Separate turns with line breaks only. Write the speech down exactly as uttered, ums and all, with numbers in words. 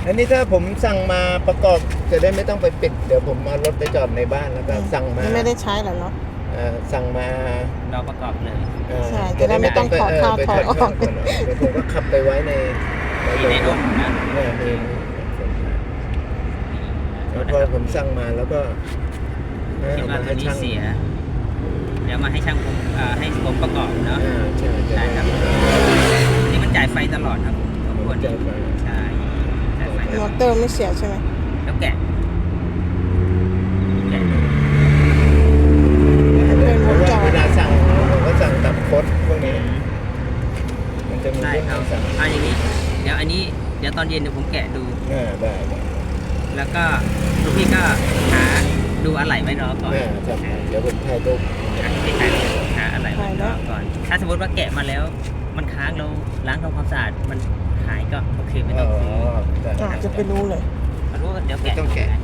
อันนี้ถ้าผมสั่งมาประกอบจะได้ไม่ต้องไปปิดเดี๋ยวผมเอารถไปจอดในบ้านแล้วก็สั่งมา
ไม่ได้ใช้หรอเนาะ
เอ่อสั่งมา
เราประกอบเลย
เอ่อ
ใช่จะได้ไม่ต้องถอดเข้า
ไป
ถอดออก
ก่นเดี๋ยวผมก็ขับไปไว้ใน
มีในร่มนะ
เนี่ยมีแล้วพอผมสั่งมาแล้วก็เออ
คิดว่า
เอา
ตัว
มาให้
นี้
ช่าง
เสีย เดี๋ยวมาให้ช่างผมอ่าให้ผมประกอบเนาะ
อ่าใช่
ใช่ครับนี่มันจ่ายไฟตลอดครับทุกคน
จ่ายไฟ
ใช่จ่ายไฟต
ม
ล
อ
อด
เตอร์ไม่เสียใช่ไหม
แล้วแกะแกะ
เป็น
เพ
ว
ราะ
งจ
ว่าร เวลาสั่งผมก็สั่งตับคดพวกนี้ มันจะมี
ได้
เรื่อง
ครับ
ให้สั่ง
เอาอย่างนี้ เดี๋ยวอันนี้เดี๋ยวตอนเย็นเดี๋ยวผมแกะดู
อ่าได้ได้
แล้วก็ลูกพี่ก็หาดูอะไหล่ไว้รอก่อน
อ่าจับเดี๋ยวผมถ่ายรูป
หาที่ใครหาอะไหล่ไว้รอก่อน ถ้าสมมติว่าแกะมาแล้ว มันค้างเราล้างทำความสะอาดมันหายก็โอเคไม่
อ๋
ต้
อ
องซื้อ
ได้
อ่ะจะไปรู้เลย
รู้ว่าเดี๋ยว
ไม่
แกะ
ต้องแกะ